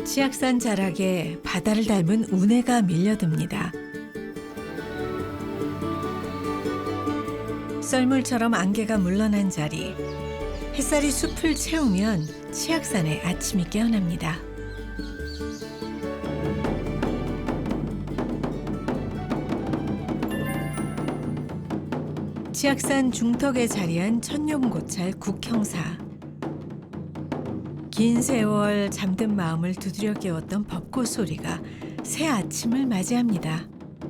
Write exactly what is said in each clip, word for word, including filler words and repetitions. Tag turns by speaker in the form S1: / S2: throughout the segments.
S1: 치악산 자락에 바다를 닮은 운해가 밀려듭니다. 썰물처럼 안개가 물러난 자리. 햇살이 숲을 채우면 치악산의 아침이 깨어납니다. 치악산 중턱에 자리한 천룡고찰 국형사. 긴 세월 잠든 마음을 두드려 깨웠던 벚꽃 소리가 새 아침을 맞이합니다.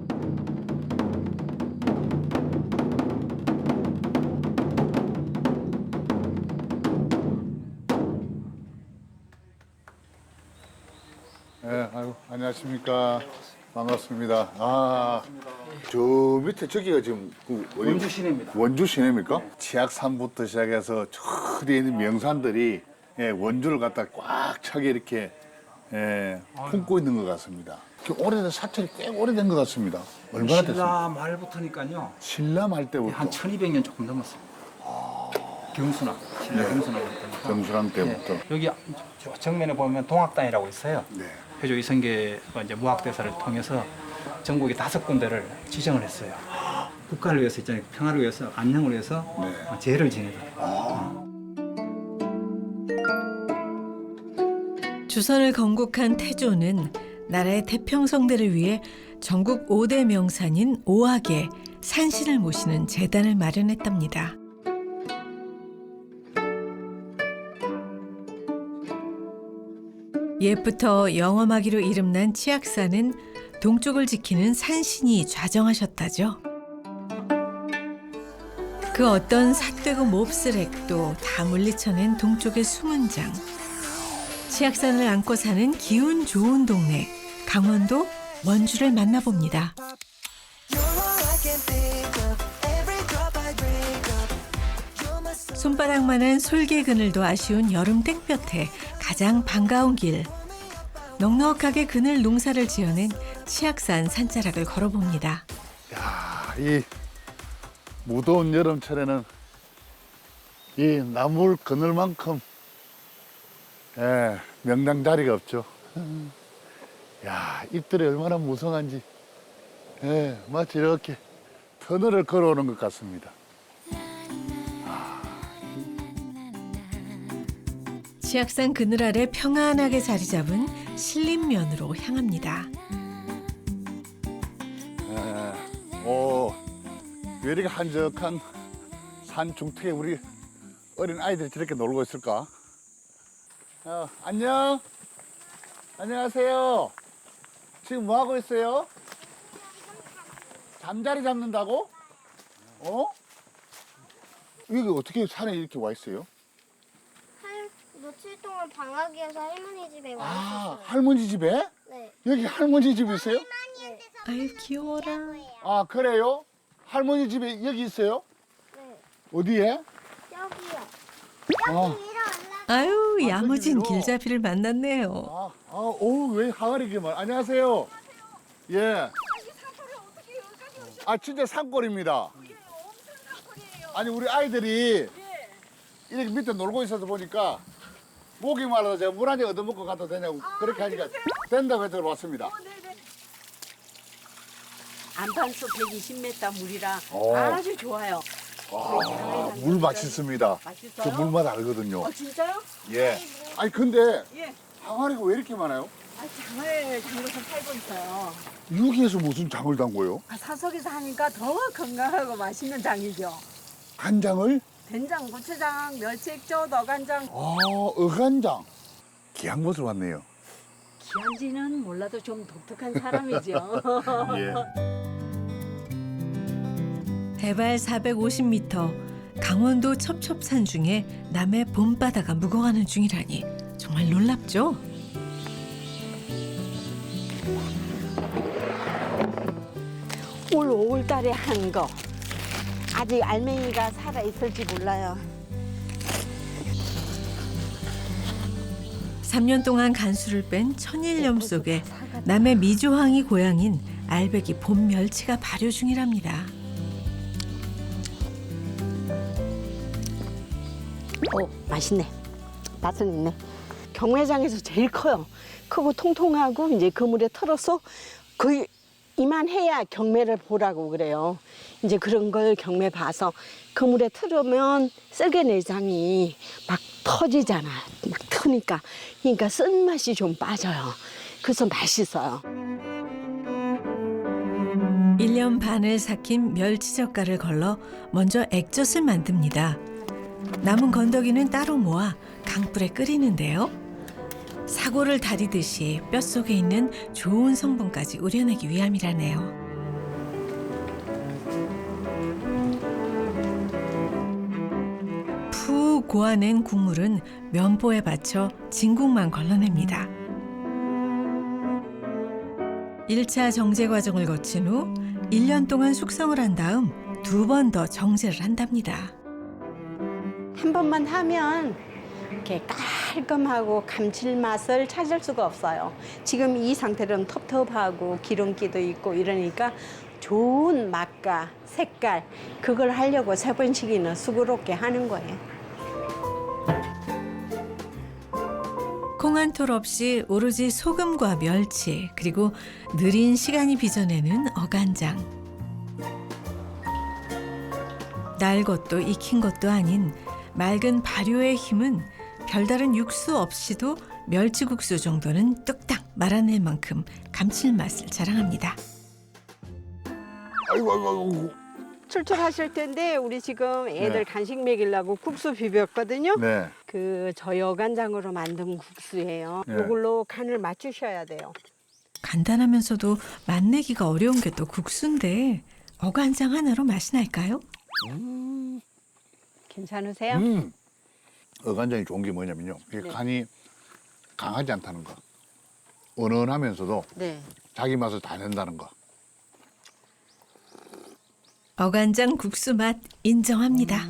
S2: 네, 아유, 안녕하십니까. 반갑습니다. 아, 저 밑에 저기가 지금 그 어디-
S3: 원주 시내입니다.
S2: 원주 시내입니까? 치악산부터 시작해서 저 뒤에 있는 명산들이 예, 원주를 갖다 꽉 차게 이렇게 예, 품고 있는 것 같습니다. 그 오래된 사찰이 꽤 오래된 것 같습니다. 얼마나 됐습니까?
S3: 신라 말부터니까요.
S2: 신라 말 때부터
S3: 한 천이백 년 조금 넘었습니다. 경순왕, 신라 경순왕 때부터.
S2: 경수랑 때부터.
S3: 네, 여기 저 정면에 보면 동학당이라고 있어요.
S2: 네.
S3: 회조 이성계가 이제 무학대사를 통해서 전국에 다섯 군데를 지정을 했어요. 국가를 위해서 있잖아요. 평화를 위해서, 안녕을 위해서
S2: 네.
S3: 제를 지내다.
S1: 주선을 건국한 태조는 나라의 태평성대를 위해 전국 오 대 명산인 오악에 산신을 모시는 재단을 마련했답니다. 옛부터 영험하기로 이름난 치악산은 동쪽을 지키는 산신이 좌정하셨다죠. 그 어떤 삿되고 몹쓸액도 다 물리쳐낸 동쪽의 숨은 장. 치악산을 안고 사는 기운 좋은 동네 강원도 원주를 만나봅니다. 손바닥만한 솔개 그늘도 아쉬운 여름 땡볕에 가장 반가운 길. 넉넉하게 그늘 농사를 지어낸 치악산 산자락을 걸어봅니다.
S2: 야, 이 무더운 여름철에는 이 나물 그늘만큼 예, 명당 자리가 없죠. 야, 잎들이 얼마나 무성한지 예, 마치 이렇게 터널을 걸어오는 것 같습니다.
S1: 치악산 그늘 아래 평안하게 자리 잡은 신림면으로 향합니다.
S2: 예, 오, 왜 이렇게 한적한 산 중턱에 우리 어린 아이들이 저렇게 놀고 있을까? 어, 안녕. 안녕하세요. 지금 뭐 하고 있어요? 잠자리 잡는다고? 어? 여기 어떻게 산에 이렇게 와 있어요?
S4: 할 며칠 동안 방학이어서 할머니 집에 와
S2: 아,
S4: 있었어요.
S2: 할머니 집에?
S4: 네.
S2: 여기 할머니 집 있어요?
S4: 네.
S1: 아유 귀여워라.
S2: 아, 그래요? 할머니 집에 여기 있어요?
S4: 네.
S2: 어디에?
S4: 여기요.
S2: 아,
S1: 아유
S2: 아,
S1: 야무진
S2: 저기요.
S1: 길잡이를 만났네요.
S2: 아, 아, 오, 왜 항아리 이렇게 많아? 안녕하세요. 예. 아, 진짜 산골입니다. 아니, 우리 아이들이 이렇게 밑에 놀고 있어서 보니까 목이 말라서 제가 물 한 잔 얻어먹고 가도 되냐고 그렇게 하니까 된다고 해서 왔습니다.
S5: 안판수 백이십 미터 물이라
S2: 오.
S5: 아주 좋아요.
S2: 아, 물 맛있습니다.
S5: 맛있어요?
S2: 저 물맛 알거든요.
S5: 어, 진짜요?
S2: 예. 아니, 근데
S5: 예.
S2: 항아리가 왜 이렇게 많아요?
S5: 아, 장을 담궈서 팔고 있어요.
S2: 여기에서 무슨 장을 담궈요?
S5: 아, 사석에서 하니까 더 건강하고 맛있는 장이죠.
S2: 간장을?
S5: 된장, 고추장, 멸치액젓, 어간장.
S2: 아, 어간장. 귀한 곳을 왔네요.
S5: 기한지는 몰라도 좀 독특한 사람이죠.
S2: 예.
S1: 해발 사백오십 미터 강원도 첩첩산 중에 남해 봄바다가 묵어가는 중이라니 정말 놀랍죠?
S5: 올 오월달에 한 거. 아직 알맹이가 살아 있을지 몰라요.
S1: 삼 년 동안 간수를 뺀 천일염 속에 남해 미조항이 고향인 알배기 봄 멸치가 발효 중이랍니다.
S5: 오, 맛있네. 맛은 있네. 경매장에서 제일 커요. 크고 통통하고 이제 그물에 털어서 거의 이만해야 경매를 보라고 그래요. 이제 그런 걸 경매 봐서 그물에 틀으면 썰개 내장이 막 터지잖아. 막 트니까. 그러니까 쓴맛이 좀 빠져요. 그래서 맛있어요.
S1: 일 년 반을 삭힌 멸치젓갈을 걸러 먼저 액젓을 만듭니다. 남은 건더기는 따로 모아 강불에 끓이는데요. 사골을 다리듯이 뼛속에 있는 좋은 성분까지 우려내기 위함이라네요. 푹 고아낸 국물은 면보에 받쳐 진국만 걸러냅니다. 일 차 정제 과정을 거친 후 일 년 동안 숙성을 한 다음 두 번 더 정제를 한답니다.
S5: 한 번만 하면 이렇게 깔끔하고 감칠맛을 찾을 수가 없어요. 지금 이 상태로는 텁텁하고 기름기도 있고 이러니까 좋은 맛과 색깔 그걸 하려고 세 번씩이나 수고롭게 하는 거예요.
S1: 콩 한 톨 없이 오로지 소금과 멸치 그리고 느린 시간이 빚어내는 어간장. 날 것도 익힌 것도 아닌 맑은 발효의 힘은 별다른 육수 없이도 멸치국수 정도는 뚝딱 말아낼 만큼 감칠맛을 자랑합니다.
S2: 아이고 아이고 아이고.
S5: 출출하실 텐데 우리 지금 애들
S2: 네.
S5: 간식 먹이려고 국수 비볐거든요.
S2: 네.
S5: 그 저희 어간장으로 만든 국수예요.
S2: 네.
S5: 이걸로 간을 맞추셔야 돼요.
S1: 간단하면서도 맛내기가 어려운 게 또 국수인데 어간장 하나로 맛이 날까요?
S5: 괜찮으세요?
S2: 음. 어간장이 좋은 게 뭐냐면요. 이게
S5: 네.
S2: 간이 강하지 않다는 거. 은은하면서도
S5: 네.
S2: 자기 맛을 다 낸다는 거.
S1: 어간장 국수 맛 인정합니다.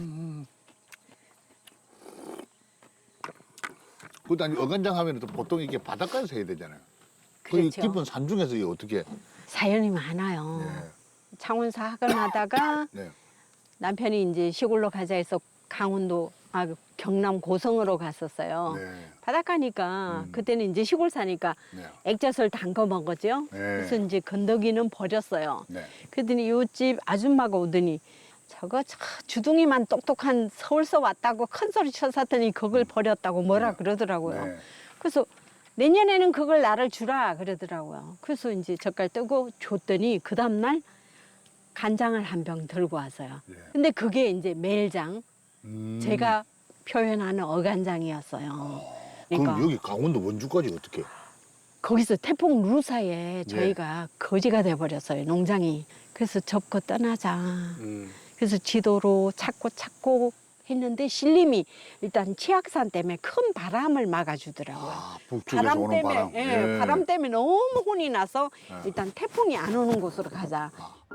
S2: 그다음 어간장 하면 또 보통 이게 바닷가에서 해야 되잖아요. 그
S5: 그렇죠.
S2: 깊은 산중에서 이게 어떻게?
S5: 사연이 많아요.
S2: 네.
S5: 창원사 학을 하다가
S2: 네.
S5: 남편이 이제 시골로 가자 해서 강원도 아 경남 고성으로 갔었어요.
S2: 네.
S5: 바닷가니까
S2: 음.
S5: 그때는 이제 시골 사니까
S2: 네.
S5: 액젓을 담궈 먹었죠.
S2: 네.
S5: 그래서 이제 건더기는 버렸어요.
S2: 네.
S5: 그랬더니 요집 아줌마가 오더니 저거 저 주둥이만 똑똑한 서울서 왔다고 큰 소리 쳐샀더니 그걸 버렸다고 뭐라
S2: 네.
S5: 그러더라고요.
S2: 네.
S5: 그래서 내년에는 그걸 나를 주라 그러더라고요. 그래서 이제 젓갈 뜨고 줬더니 그 다음날 간장을 한 병 들고 왔어요.
S2: 네.
S5: 근데 그게 이제 매일장
S2: 음.
S5: 제가 표현하는 어간장이었어요. 그러니까
S2: 그럼 여기 강원도 원주까지 어떻게?
S5: 거기서 태풍 루사에
S2: 네.
S5: 저희가 거지가 돼버렸어요. 농장이. 그래서 접고 떠나자.
S2: 음.
S5: 그래서 지도로 찾고 찾고 했는데 신림이 일단 치악산 때문에 큰 바람을 막아주더라고요.
S2: 아, 북쪽에서
S5: 바람
S2: 오는
S5: 때문에
S2: 바람.
S5: 예, 바람 때문에 너무 혼이 나서
S2: 네.
S5: 일단 태풍이 안 오는 곳으로 가자.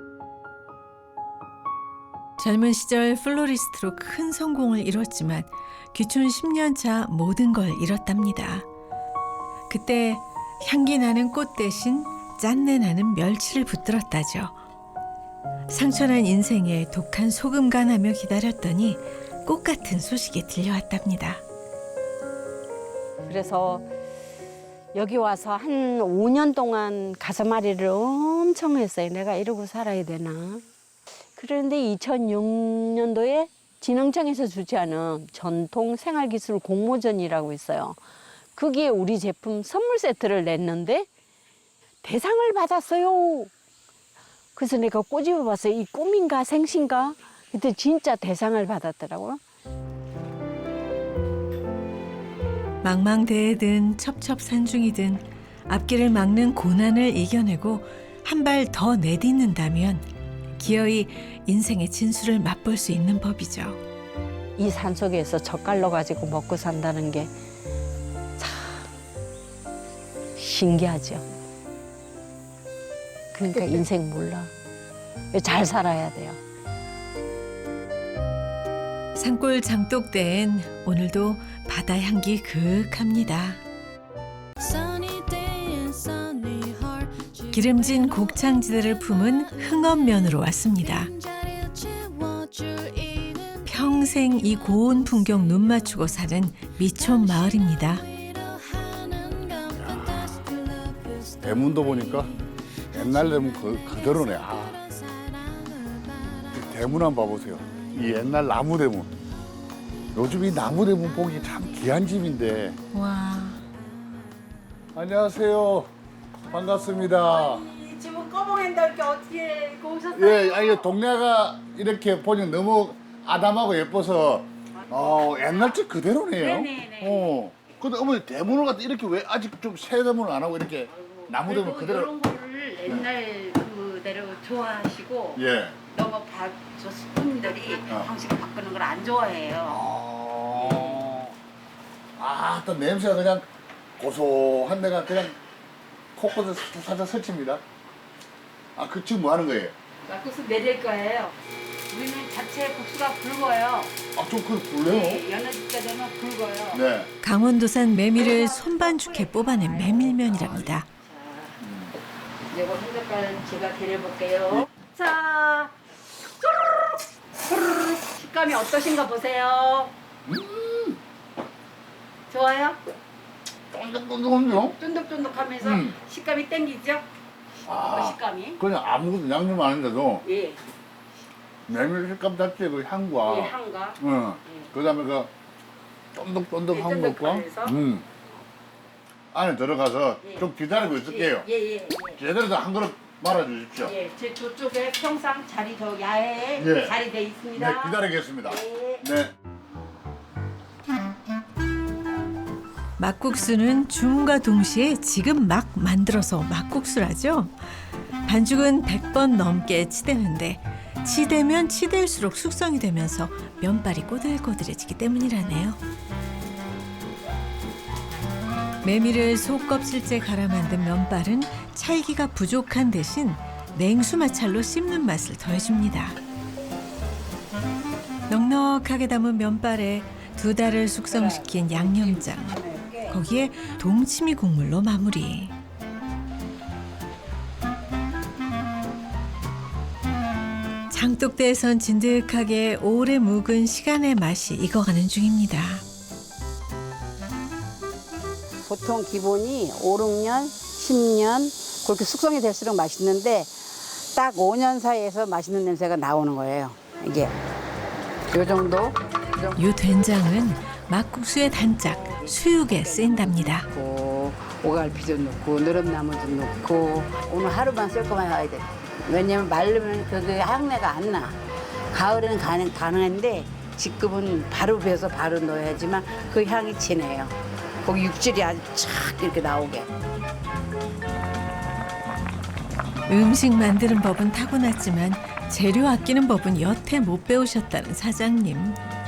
S1: 젊은 시절 플로리스트로 큰 성공을 이뤘지만 귀촌 십 년 차 모든 걸 잃었답니다. 그때 향기 나는 꽃 대신 짠내 나는 멸치를 붙들었다죠. 상처난 인생에 독한 소금간하며 기다렸더니 꽃 같은 소식이 들려왔답니다.
S5: 그래서 여기 와서 한 오 년 동안 가슴앓이를 엄청 했어요. 내가 이러고 살아야 되나. 그런데 이천육 년도에 진흥청에서 주최하는 전통 생활기술 공모전이라고 있어요. 거기에 우리 제품 선물 세트를 냈는데 대상을 받았어요. 그래서 내가 꼬집어 봤어요. 이 꿈인가 생신가? 그때 진짜 대상을 받았더라고요.
S1: 망망대해든 첩첩산중이든 앞길을 막는 고난을 이겨내고 한 발 더 내딛는다면 기어이 인생의 진수를 맛볼 수 있는 법이죠.
S5: 이 산속에서 젓갈로 가지고 먹고 산다는 게 참 신기하죠. 그러니까 인생 몰라. 잘 살아야 돼요.
S1: 산골 장독대엔 오늘도 바다 향기 그윽합니다. 기름진 곡창지대를 품은 흥엄면으로 왔습니다. 평생 이 고운 풍경 눈 맞추고 사는 미촌 마을입니다.
S2: 대문도 보니까 옛날 대문 그, 그대로네. 아. 이 대문 한번 봐보세요. 이 옛날 나무 대문. 요즘 이 나무 대문 보기 참 귀한 집인데.
S1: 와.
S2: 안녕하세요. 반갑습니다.
S5: 지금 꺼봉한다 이렇게 어떻게 이렇게 오셨어요?
S2: 예, 아니 동네가 이렇게 보니 너무 아담하고 예뻐서 어, 옛날 집 그대로네요.
S5: 네네네.
S2: 어. 근데 어머니 대문을 갖다 이렇게 왜 아직 좀 새 대문을 안 하고 이렇게 나무 대문 그대로?
S6: 이런 거를 옛날 그대로 좋아하시고
S2: 예.
S6: 너무 바, 저 스푼들이
S2: 어.
S6: 방식 바꾸는 걸 안 좋아해요.
S2: 아, 아, 또 냄새가 그냥 고소한 데가 그냥 코코도 살짝 설칩니다. 아, 그 지금 뭐 하는 거예요?
S6: 막국수 내릴 거예요. 우리는 자체 국수가 굵어요.
S2: 아, 좀 그 불래요?
S6: 네, 연어집가 되면 굵어요.
S2: 네.
S1: 강원도산 메밀을 손반죽해 뽑아낸 메밀면이랍니다.
S6: 이거 한 젓갈 제가 데려볼게요. 자, 후루룩, 식감이 어떠신가 보세요.
S2: 음,
S6: 좋아요?
S2: 쫀득쫀득한데요?
S6: 쫀득쫀득하면서
S2: 음.
S6: 식감이 땡기죠?
S2: 아.
S6: 그 식감이.
S2: 그냥 아무것도 양념 안 했는데도
S6: 예,
S2: 메밀 식감 자체의 그 향과
S6: 이 향과.
S2: 응.
S6: 예.
S2: 그다음에 그 쫀득쫀득한
S6: 예,
S2: 것과
S6: 쫀득하면서.
S2: 음. 안에 들어가서
S6: 예.
S2: 좀 기다리고 있을게요.
S6: 예, 예, 예.
S2: 제대로 한 그릇 말아 주십시오.
S6: 예, 제 저쪽에 평상 자리 저 야외에
S2: 예.
S6: 자리 돼
S2: 네,
S6: 있습니다.
S2: 기다리겠습니다.
S6: 예.
S2: 네.
S1: 막국수는 줌과 동시에 지금 막 만들어서 막국수라죠. 반죽은 백 번 넘게 치대는데 치대면 치댈수록 숙성이 되면서 면발이 꼬들꼬들해지기 때문이라네요. 메밀을 속껍질째 갈아 만든 면발은 찰기가 부족한 대신 냉수 마찰로 씹는 맛을 더해줍니다. 넉넉하게 담은 면발에 두 달을 숙성시킨 양념장, 거기에 동치미 국물로 마무리. 장독대에선 진득하게 오래 묵은 시간의 맛이 익어가는 중입니다.
S7: 보통 기본이 오, 육 년, 십 년 그렇게 숙성이 될수록 맛있는데 딱 오 년 사이에서 맛있는 냄새가 나오는 거예요. 이게 요 정도
S1: 이 된장은 막국수의 단짝, 수육에 쓰인답니다.
S7: 넣고 오갈피도 넣고 느릅나무도 넣고 오늘 하루만 쓸 거만 해야 돼. 왜냐면 마르면 그게 향내가 안 나. 가을에는 가능, 가능한데 지금은 바로 베서 바로 넣어야지만 그 향이 진해요. 거기 육질이 아주 착 이렇게 나오게.
S1: 음식 만드는 법은 타고났지만 재료 아끼는 법은 여태 못 배우셨다는 사장님.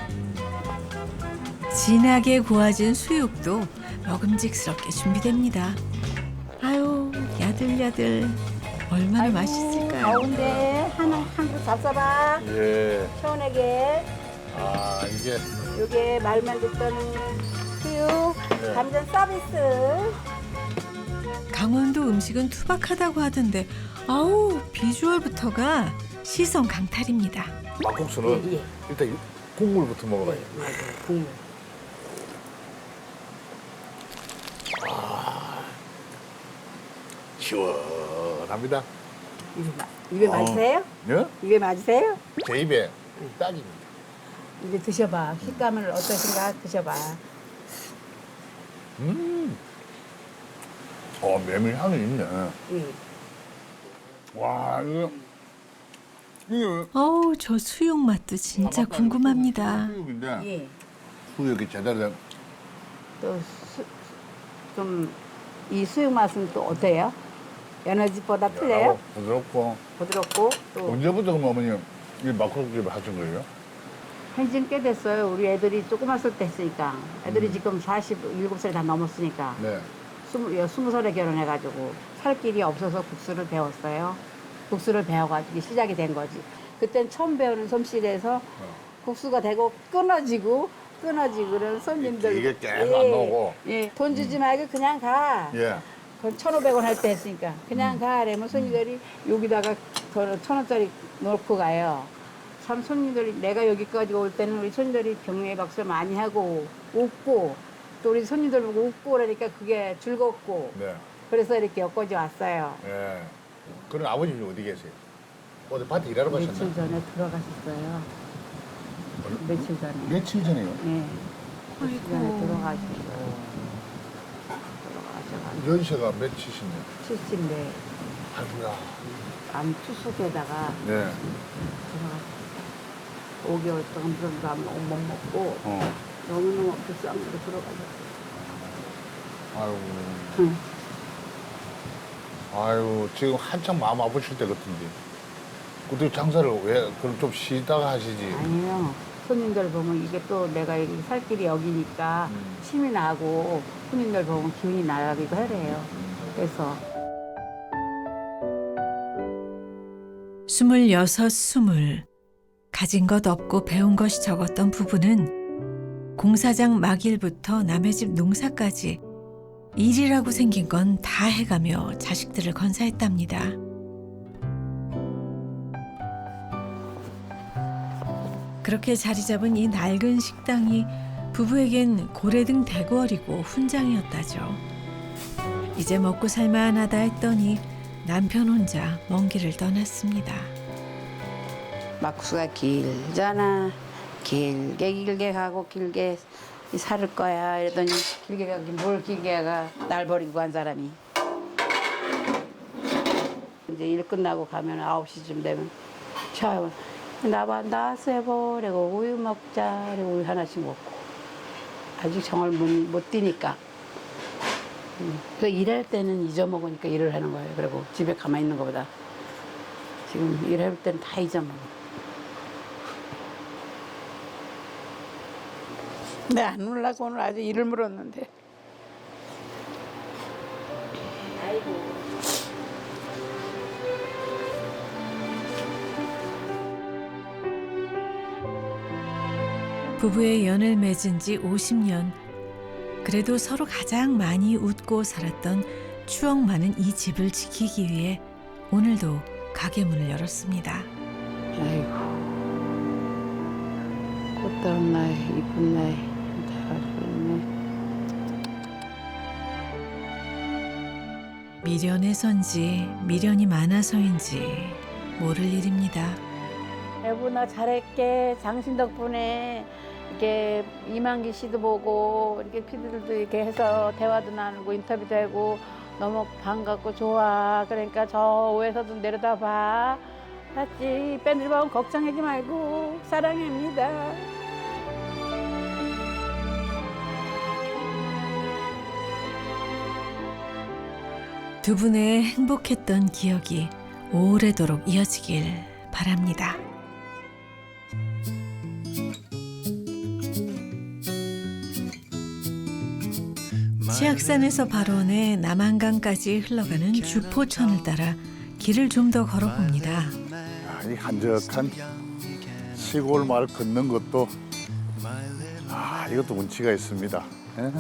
S1: 진하게 구워진 수육도 먹음직스럽게 준비됩니다. 아유, 야들야들. 얼마나 맛있을까요?
S7: 가운데 하나 한 그릇 잡숴봐.
S2: 예.
S7: 시원하게.
S2: 아, 이게
S7: 요게 말만 듣던 수육
S2: 네.
S7: 감전 서비스.
S1: 강원도 음식은 투박하다고 하던데 아우 비주얼부터가 시선 강탈입니다.
S2: 막국수는
S7: 예, 예.
S2: 일단 이 국물부터 먹어봐요.
S7: 맞아요. 국물.
S2: 시원합니다.
S7: 입에, 마- 입에
S2: 어.
S7: 맞으세요?
S2: 예?
S7: 입에 맞으세요?
S2: 제 입에 딱입니다.
S7: 이제 드셔봐. 식감을 어떠신가 드셔봐.
S2: 음. 어, 메밀 향이 있네.
S7: 응.
S2: 와, 이거 이게
S1: 어우 저 수육 맛도 진짜 궁금합니다.
S2: 수육인데
S7: 예.
S2: 수육이 제대로 된
S7: 또좀 이 수육 맛은 또 어때요? 연어집보다 틀려요?
S2: 야하고 부드럽고.
S7: 부드럽고 또
S2: 언제부터 그럼 어머니 이 막국수를 하신 거예요?
S7: 한지는 꽤 됐어요. 우리 애들이 조그맣을 때 했으니까. 애들이 지금 사십일곱 살 다 넘었으니까.
S2: 네.
S7: 스무, 스무 살에 결혼해가지고 살 길이 없어서 국수를 배웠어요. 국수를 배워가지고 시작이 된 거지. 그땐 처음 배우는 솜씨에서 국수가 되고 끊어지고 끊어지고 그런 손님들.
S2: 이게 계속 안 나오고.
S7: 예, 돈 주지 말고 그냥 가.
S2: 예.
S7: 그건 천오백 원 할 때 했으니까 그냥 가. 이러면 손님들이 여기다가 저 천 원짜리 놓고 가요. 참 손님들이 내가 여기까지 올 때는 우리 손님들이 경례 박수 많이 하고 웃고 또 우리 손님들 보고 웃고 그러니까 그게 즐겁고
S2: 네.
S7: 그래서 이렇게 엮어져 왔어요.
S2: 예. 그럼 아버님 어디 계세요? 어디 밭에 일하러
S7: 며칠
S2: 가셨나요?
S7: 전에 돌아가셨어요. 며칠 전에.
S2: 며칠 전에요?
S7: 네. 며칠 전에 돌아가셨어요. 돌아가셔가지고
S2: 연세가 몇이신데요?
S7: 칠십인데
S2: 아이고야.
S7: 암 투숙에다가
S2: 네.
S7: 돌아가셨어요. 오 개월 동안 물도 안 먹고 못 먹고
S2: 어.
S7: 너무너무 불쌍하게 돌아가셨어요.
S2: 아이고.
S7: 응.
S2: 아유, 지금 한창 마음 아프실 때 같은데. 그때 장사를 왜, 그럼 좀 쉬다가 하시지?
S7: 아니에요. 손님들 보면 이게 또 내가 여기 살 길이 여기니까
S2: 음.
S7: 힘이 나고 손님들 보면 기운이 나기도 하래요. 그래서
S1: 스물여섯, 스물. 가진 것 없고 배운 것이 적었던 부부는 공사장 막일부터 남의 집 농사까지 일이라고 생긴 건 다 해가며 자식들을 건사했답니다. 그렇게 자리 잡은 이 낡은 식당이 부부에겐 고래등 대궐이고 훈장이었다죠. 이제 먹고 살만하다 했더니 남편 혼자 먼 길을 떠났습니다.
S7: 막수가 길잖아. 길게 길게 가고 길게 살을 거야. 이러더니 길게 가긴 뭘 길게 가. 날 버리고 간 사람이. 이제 일 끝나고 가면 아홉 시쯤 되면 차 나봐 나왔어 여보. 그리고 우유 먹자. 그리고 우유 하나씩 먹고. 아직 정을 못, 못 뛰니까. 음. 그 일할 때는 잊어먹으니까 일을 하는 거예요. 그리고 집에 가만히 있는 것보다. 지금 일할 때는 다 잊어먹어. 네, 안 울라고 오늘 아주 이를 물었는데.
S1: 부부의 연을 맺은 지 오십 년. 그래도 서로 가장 많이 웃고 살았던 추억 많은 이 집을 지키기 위해 오늘도 가게 문을 열었습니다.
S7: 아이고. 꽃다운 날, 이쁜 날 다 가지고 있네.
S1: 미련해서인지 미련이 많아서인지 모를 일입니다.
S7: 여보 나 잘할게. 당신 덕분에 이렇게 이만기 씨도 보고 이렇게 피디들도 이렇게 해서 대화도 나누고 인터뷰도 하고 너무 반갑고 좋아. 그러니까 저 위에서도 내려다 봐. 봤지? 밴들 보면 걱정하지 말고 사랑합니다.
S1: 두 분의 행복했던 기억이 오래도록 이어지길 바랍니다. 치악산에서 발원해 남한강까지 흘러가는 주포천을 따라 길을 좀 더 걸어봅니다.
S2: 야, 이 한적한 시골 마을 걷는 것도 아, 이것도 운치가 있습니다. 예.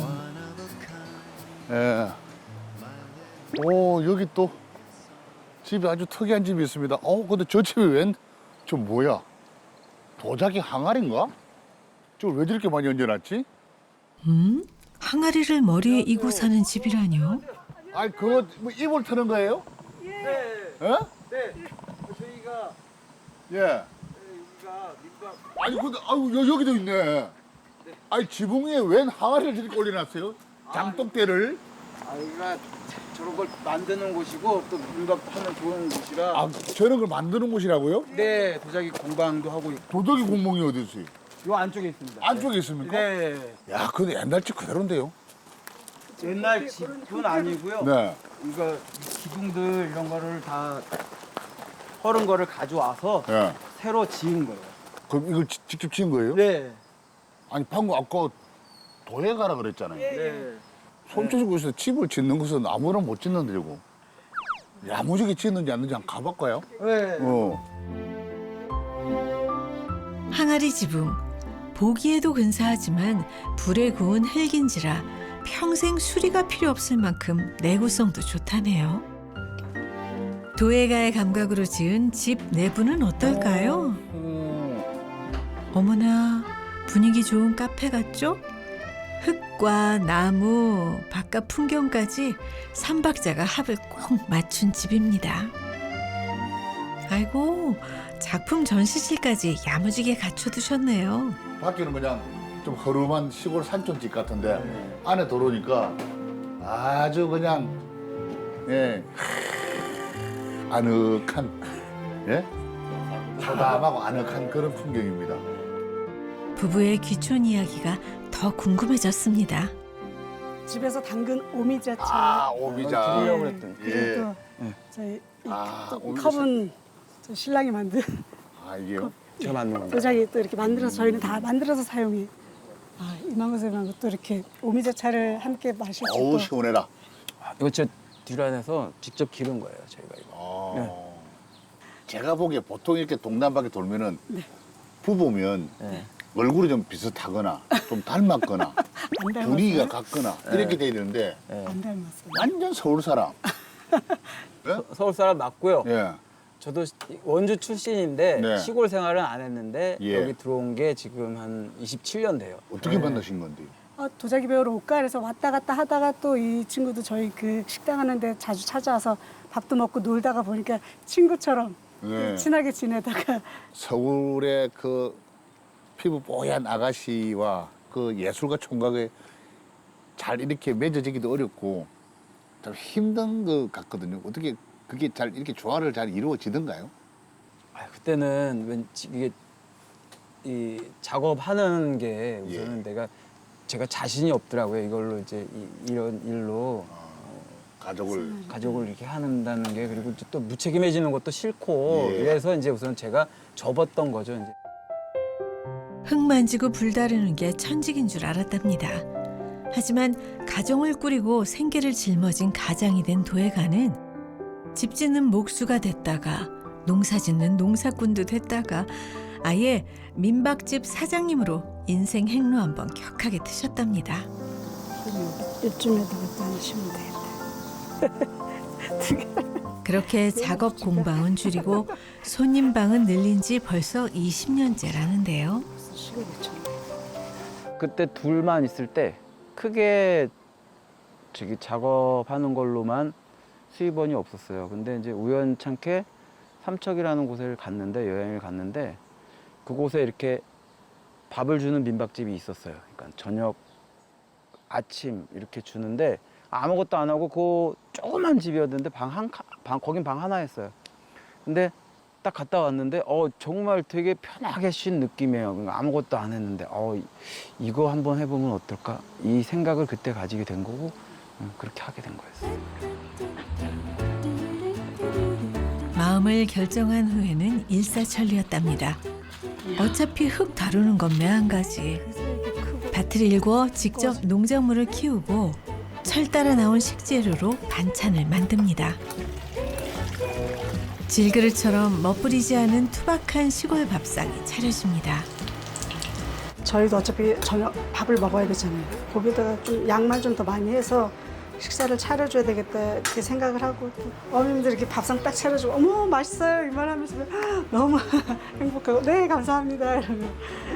S2: 예. 오, 여기 또 집이 아주 특이한 집이 있습니다. 어, 근데 저 집이 웬, 저 뭐야? 도자기 항아리인가? 저걸 왜 저렇게 많이 얹어놨지?
S1: 음? 항아리를 머리에 이고 사는 집이라뇨?
S2: 아니, 그거 뭐 이불 트는 거예요?
S3: 네.
S2: 어?
S3: 네. 저희가
S2: 예.
S3: 여기가 민박
S2: 아니, 근데, 아유, 여, 여기도 있네. 아니, 지붕 위에 웬 항아리를 저렇게 올려놨어요? 장독대를?
S3: 아, 여기가 저런 걸 만드는 곳이고 또 민박도 하면 좋은 곳이라.
S2: 아, 저런 걸 만드는 곳이라고요?
S3: 네, 도자기 공방도 하고 있고.
S2: 도덕이 공몽이 어디 있어요?
S3: 요 안쪽에 있습니다.
S2: 안쪽에 있습니까?
S3: 네.
S2: 야, 근데 옛날 집 그대로인데요?
S3: 옛날 집은 아니고요.
S2: 네.
S3: 이거 기둥들 이런 거를 다 헐은 거를 가져와서
S2: 예.
S3: 새로 지은 거예요.
S2: 그럼 이걸 지- 직접 지은 거예요?
S3: 네.
S2: 아니, 방금 아까 도에 가라 그랬잖아요.
S3: 네.
S2: 손주시고서 집을 짓는 것은 아무나 못 짓는데, 이거. 야무지게 짓는지 안 짓는지 한번 가볼까요?
S3: 네.
S2: 어.
S1: 항아리 지붕. 보기에도 근사하지만 불에 구운 흙인지라 평생 수리가 필요 없을 만큼 내구성도 좋다네요. 도예가의 감각으로 지은 집 내부는 어떨까요?
S2: 어.
S1: 어머나 분위기 좋은 카페 같죠? 흙 꽃과 나무, 바깥 풍경까지 삼박자가 합을 꼭 맞춘 집입니다. 아이고, 작품 전시실까지 야무지게 갖춰두셨네요.
S2: 밖에는 그냥 좀 허름한 시골 산촌집 같은데 안에 들어오니까 아주 그냥 예 아늑한 예 소담하고 아늑한 그런 풍경입니다.
S1: 부부의 귀촌 이야기가 더 궁금해졌습니다.
S8: 집에서 담근 오미자차.
S2: 아 오미자.
S3: 드리려고 그랬더니.
S2: 예.
S8: 그리고
S3: 예.
S8: 저희 이
S2: 아,
S8: 또
S2: 오미자
S8: 컵은 저 신랑이 만든
S2: 아 이게요?
S3: 제가 만든 겁니다.
S8: 도자기 또 이렇게 만들어서 저희는 다 만들어서 사용해. 아, 이만고생한 또 이렇게 오미자차를 함께 마실 수
S2: 어우
S8: 있고.
S2: 시원해라.
S3: 이거 제 뒷란에서 직접 기른 거예요, 저희가 이거.
S2: 어.
S3: 네.
S2: 제가 보기에 보통 이렇게 동남바퀴 돌면은 부부면
S3: 네.
S2: 얼굴이 좀 비슷하거나 좀 닮았거나
S8: 안 닮았어요?
S2: 분위기가 같거나 이렇게 돼야 되는데
S8: 안 닮았어요.
S2: 완전 서울 사람. 예?
S3: 서울 사람 맞고요.
S2: 예.
S3: 저도 원주 출신인데
S2: 네.
S3: 시골 생활은 안 했는데
S2: 예.
S3: 여기 들어온 게 지금 한 이십칠 년 돼요.
S2: 어떻게
S3: 네.
S2: 만나신 건데요?
S8: 아, 도자기 배우러 올까 그래서 왔다 갔다 하다가 또 이 친구도 저희 그 식당 하는데 자주 찾아와서 밥도 먹고 놀다가 보니까 친구처럼
S2: 네.
S8: 친하게 지내다가
S2: 서울의 그 피부 뽀얀 아가씨와 그 예술가 총각에 잘 이렇게 맺어지기도 어렵고 좀 힘든 것 같거든요. 어떻게 그게 잘 이렇게 조화를 잘 이루어지던가요?
S3: 아, 그때는 왠지 이게 이 작업하는 게
S2: 예.
S3: 우선은 내가 제가 자신이 없더라고요. 이걸로 이제 이, 이런 일로
S2: 가족을
S3: 가족을 이렇게 한다는 게 그리고 또 무책임해지는 것도 싫고
S2: 예.
S3: 이래서 이제 우선 제가 접었던 거죠. 이제.
S1: 흙 만지고 불 다루는 게 천직인 줄 알았답니다. 하지만 가정을 꾸리고 생계를 짊어진 가장이 된 도예가는 집 짓는 목수가 됐다가 농사 짓는 농사꾼도 됐다가 아예 민박집 사장님으로 인생 행로 한번 격하게 트셨답니다.
S8: 이쯤에다가 또 하시면 되겠다.
S1: 그렇게 작업 공방은 줄이고 손님 방은 늘린 지 벌써 이십 년째라는데요.
S8: 시골 있잖아요.
S3: 그때 둘만 있을 때 크게 저기 작업하는 걸로만 수입원이 없었어요. 근데 이제 우연찮게 삼척이라는 곳을 갔는데 여행을 갔는데 그곳에 이렇게 밥을 주는 민박집이 있었어요. 그러니까 저녁, 아침 이렇게 주는데 아무것도 안 하고 그 조그만 집이었는데 방 한 방 거긴 방 하나였어요. 근데 딱 갔다 왔는데 어 정말 되게 편하게 쉰 느낌이에요. 그러니까 아무것도 안 했는데 어 이거 한번 해보면 어떨까 이 생각을 그때 가지게 된 거고 음, 그렇게 하게 된 거였어요.
S1: 마음을 결정한 후에는 일사천리였답니다. 어차피 흙 다루는 건 매한가지. 밭을 일궈 직접 농작물을 키우고 철 따라 나온 식재료로 반찬을 만듭니다. 질그릇처럼 멋부리지 않은 투박한 시골 밥상이 차려집니다.
S8: 저희도 어차피 저녁 밥을 먹어야 되잖아요. 거기다가 좀 양말 좀 더 많이 해서 식사를 차려줘야 되겠다 이렇게 생각을 하고 또 어머님들 이렇게 밥상 딱 차려주고 어머 맛있어요 이 말하면서 너무 행복하고 네 감사합니다 이러면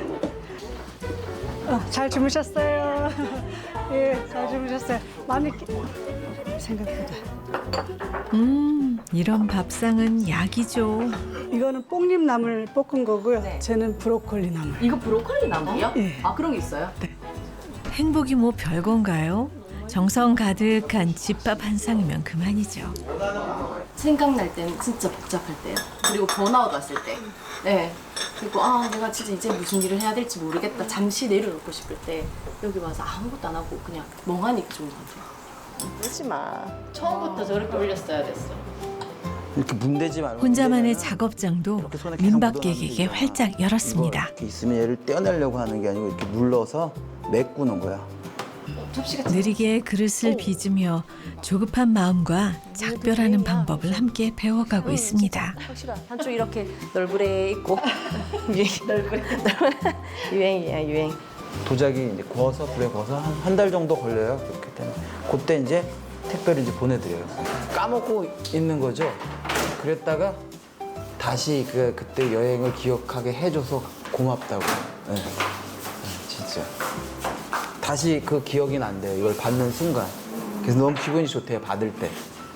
S8: 어, 잘 주무셨어요. 예, 잘 주무셨어요. 많이 끼... 생각보다
S1: 음, 이런 밥상은 약이죠.
S8: 이거는 뽕잎나물 볶은 거고요.
S6: 네.
S8: 쟤는 브로콜리 나물.
S6: 이거 브로콜리 나무요?
S8: 예.
S6: 아 그런 게 있어요?
S1: 행복이 뭐 별건가요? 정성 가득한 집밥 한 상이면 그만이죠.
S6: 생각날 때는 진짜 복잡할 때요. 그리고 번아웃 왔을 때. 네. 그리고 아 내가 진짜 이제 무슨 일을 해야 될지 모르겠다. 잠시 내려놓고 싶을 때 여기 와서 아무것도 안 하고 그냥 멍하니 좋은 것 같아요.
S7: 그러지 마.
S6: 처음부터 저렇게 올렸어야 됐어.
S3: 이렇게 문대지 말고
S1: 혼자만의
S3: 문대면은
S1: 작업장도
S3: 이렇게 손에 계속
S1: 민박객에게
S3: 묻어나는
S1: 활짝
S3: 이거
S1: 열었습니다.
S3: 이렇게 있으면 얘를 떼어내려고 하는 게 아니고 이렇게 눌러서 메꾸는 거야.
S6: 접시가
S1: 느리게 그릇을 빚으며 조급한 마음과 작별하는 방법을 함께 배워가고 있습니다.
S6: 확실한 한쪽 이렇게 널브레 있고 유행 널브레 유행이야 유행.
S3: 도자기 이제 구워서 불에 구워서 한 한 달 정도 걸려요. 그렇게 되면 그때 이제 택배를 이제 보내드려요. 까먹고 있는 거죠. 그랬다가 다시 그 그때 여행을 기억하게 해줘서 고맙다고. 네. 네, 진짜 다시 그 기억이 난대요. 이걸 받는 순간. 그래서 너무 기분이 좋대요. 받을 때.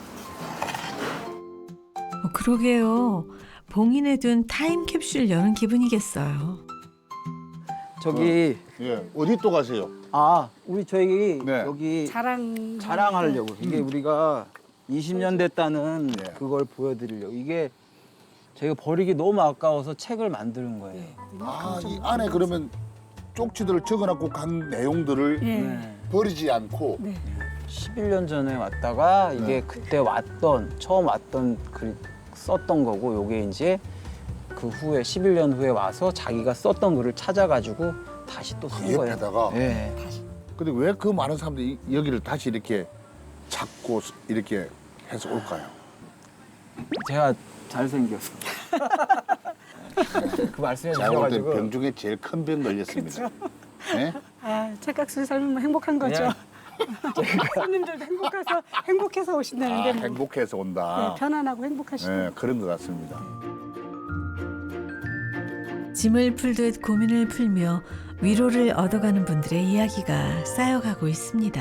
S1: 어, 그러게요. 봉인해 둔 타임캡슐 여는 기분이겠어요.
S3: 저기
S2: 예, 어디 또 가세요?
S3: 아 우리 저희
S2: 네.
S3: 여기
S8: 자랑
S3: 자랑하려고. 이게 우리가 이십 년 됐다는
S2: 네.
S3: 그걸 보여드리려고. 이게 저희가 버리기 너무 아까워서 책을 만드는 거예요.
S2: 아, 이 안에 그러면 쪽지들을 적어놓고 간 내용들을
S8: 예.
S3: 네.
S2: 버리지 않고
S8: 네.
S3: 십일 년 전에 왔다가 이게
S2: 네.
S3: 그때 왔던 처음 왔던 글 썼던 거고 요게 이제 그 후에 십일 년 후에 와서 자기가 썼던 글을 찾아가지고 다시 또 쓴
S2: 그
S3: 거예요.
S2: 옆에다가?
S3: 네.
S2: 근데 왜 그 많은 사람들이 이- 여기를 다시 이렇게 찾고 이렇게 해서 올까요?
S3: 제가 잘생겨서. 그 말씀해
S2: 제가 볼 때
S3: 주셔가지고
S2: 병 중에 제일 큰 병 걸렸습니다. 네?
S8: 아, 착각수에 살면 행복한 거죠. 손님들도 행복해서 행복해서 오신다는데
S2: 아,
S8: 뭐.
S2: 행복해서 온다.
S8: 네, 편안하고 행복하시고.
S2: 네, 그런 것 같습니다.
S1: 짐을 풀듯 고민을 풀며 위로를 얻어가는 분들의 이야기가 쌓여가고 있습니다.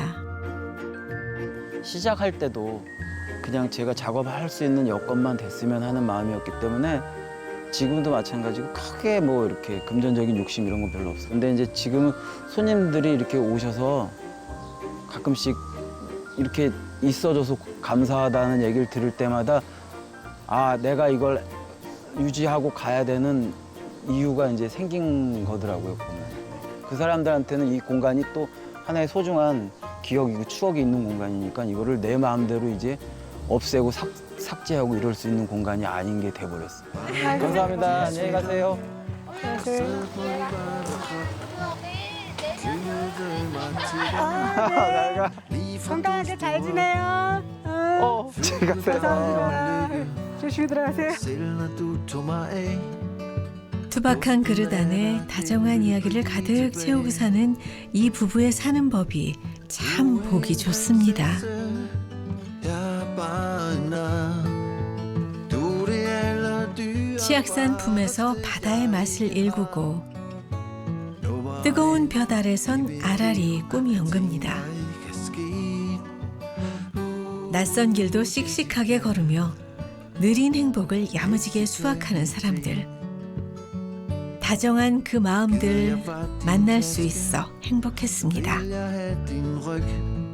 S3: 시작할 때도 그냥 제가 작업할 수 있는 여건만 됐으면 하는 마음이었기 때문에 지금도 마찬가지고 크게 뭐 이렇게 금전적인 욕심 이런 건 별로 없어요. 근데 이제 지금은 손님들이 이렇게 오셔서 가끔씩 이렇게 있어줘서 감사하다는 얘기를 들을 때마다 아, 내가 이걸 유지하고 가야 되는 이유가 이제 생긴 거더라고요, 보면. 그 사람들한테는 이 공간이 또 하나의 소중한 기억이고 추억이 있는 공간이니까 이거를 내 마음대로 이제 없애고 삭, 삭제하고 이럴 수 있는 공간이 아닌 게 돼버렸어요. 감사합니다. 안녕히 가세요. 잘 가.
S8: 건강하게 잘 지내요. 어,
S3: 어, 잘 가세요.
S8: 감사합니다. 조심히 들어가세요.
S1: 투박한 그릇 안에 다정한 이야기를 가득 채우고 사는 이 부부의 사는 법이 참 보기 좋습니다. 치악산 품에서 바다의 맛을 일구고 뜨거운 볕 아래선 아라리 꿈이 연급니다. 낯선 길도 씩씩하게 걸으며 느린 행복을 야무지게 수확하는 사람들. 다정한 그 마음들 만날 수 있어 행복했습니다.